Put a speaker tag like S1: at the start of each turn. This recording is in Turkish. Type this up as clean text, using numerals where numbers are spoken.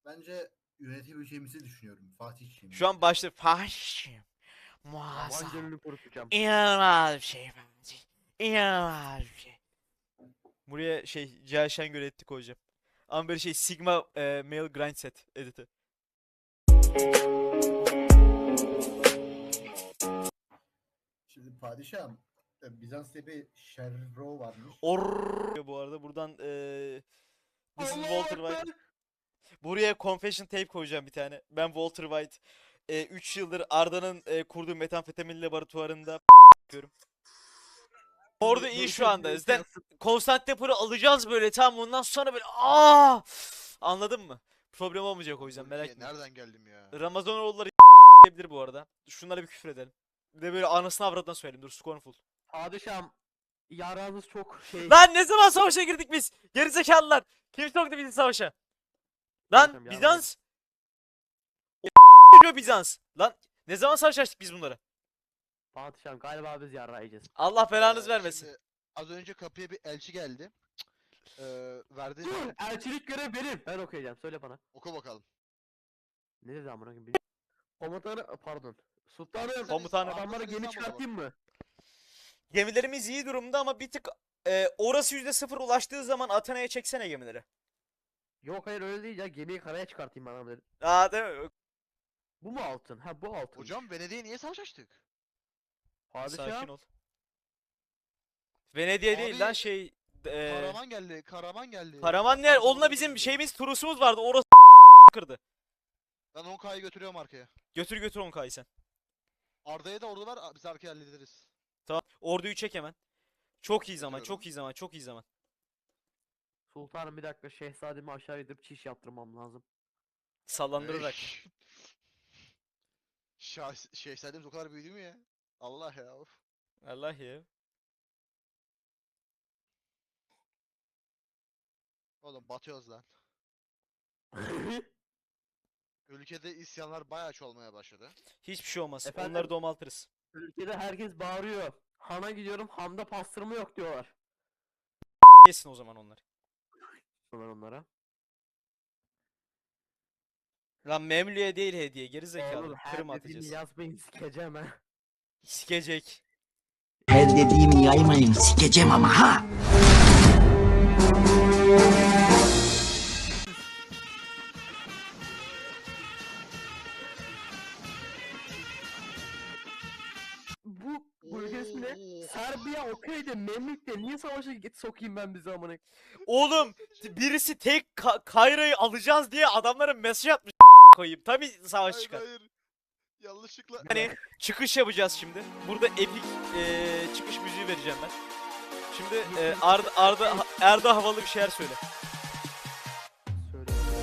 S1: Bence yönetebileceğimizi düşünüyorum Fatih'ciğim.
S2: Şu an başta Fatih'ciğim. Muazzam.
S3: Vangelini kurutacağım.
S2: İnanılmaz bir şey Fatih. İnanılmaz bir şey. Buraya şey Cihal Şengör etti koyacağım. Ama böyle şey Sigma Male Grind Set editi.
S1: Şimdi padişahım Bizans'ta bir Şerro varmış.
S2: Bu arada buradan This is Walter White. Buraya confession tape koyacağım bir tane. Ben Walter White. 3 yıldır Arda'nın kurduğu metamfetamin laboratuvarında yapıyorum. Orada iyi şu anda. Zaten Konstantinopol'ü alacağız böyle tam ondan sonra böyle anladın mı? Problem olmayacak o yüzden merak etme.
S4: Nereden geldim ya?
S2: Ramazanoğulları diyebilir bu arada. Şunlara bir küfür edelim. Bir de böyle anasını avradına söyleyelim. Dur Scornful.
S3: Padişahım yaranız çok şey.
S2: Lan ne zaman savaşa girdik biz? Gerizekalılar. Kim soktu bizi savaşa? Lan
S3: Padişahım,
S2: Bizans. Bizans. Lan ne zaman savaş açtık biz bunlara?
S3: Padişahım galiba biz yarrayacağız.
S2: Allah belanız vermesin.
S4: Şimdi az önce kapıya bir elçi geldi. Verdi.
S3: Dur, elçilik görev benim. Ben okuyacağım. Söyle bana.
S4: Oku bakalım.
S3: Ne dedi amına koyayım? Komutanı pardon. Sultanım.
S2: Komutanım.
S3: Adamlara gemi
S4: İstanbul'a
S3: çıkartayım mı?
S2: Gemilerimiz iyi durumda ama bir tık orası %0 ulaştığı zaman Atina'ya çeksene gemileri.
S3: Yok hayır öyle değil ya. Gemiyi karaya çıkartayım bana dedi.
S2: Değil mi?
S3: Bu mu altın? Ha bu altın.
S4: Hocam Venedik'e niye savaş açtık?
S3: Padişahım.
S2: Sakin ol. Venedik'e değil
S4: Abi,
S2: lan şey
S4: Karaman geldi. Karaman geldi.
S2: Karaman ne? Onunla bizim şeyimiz turusumuz vardı. Orası kırdı.
S4: Ben 10K'yı götürüyorum arkaya.
S2: Götür götür 10K'yı sen.
S4: Arda'ya da ordu var. Biz arkaya hallederiz.
S2: Tamam. Orduyu çek hemen. Çok iyi zaman,
S4: Götürüyorum.
S2: çok iyi zaman, çok iyi zaman.
S3: Sultanım bir dakika şehzademi aşağı indirip çiş yaptırmam lazım.
S2: Sallandırarak.
S4: Şehzademiz o kadar büyüdü mü ya? Allah ya. Of.
S2: Allah ya.
S4: Oğlum batıyoruz lan. Ülkede isyanlar bayağı çoğalmaya başladı.
S2: Hiçbir şey olmaz.
S3: Efendim?
S2: Onları domaltırız.
S3: Ülkede herkes bağırıyor. Han'a gidiyorum, Han'da pastırma yok diyorlar.
S2: Yesin o zaman onlar.
S3: Onlara.
S2: Lan Memlü'ye değil hediye. Geri
S3: Oğlum
S2: zekalı.
S3: her
S2: Kırım
S3: dediğini
S2: atacağız.
S3: yazmayın sikeceğim ha.
S2: Sikecek.
S5: Her dediğimi yaymayın, sikeceğim ama ha.
S3: Bu ülke ismi ne? Serbiya okey de Memlük'te niye savaşa sokayım ben bizi amına?
S2: Oğlum birisi tek Kayra'yı alacağız diye adamlara mesaj atmış koyayım. Tabii savaş
S4: Hayır
S2: çıkar.
S4: hayır. Yanlışlıkla.
S2: Hani çıkış yapacağız şimdi. Burada epik çıkış müziği vereceğim ben. Şimdi Arda havalı bir şeyler söyle.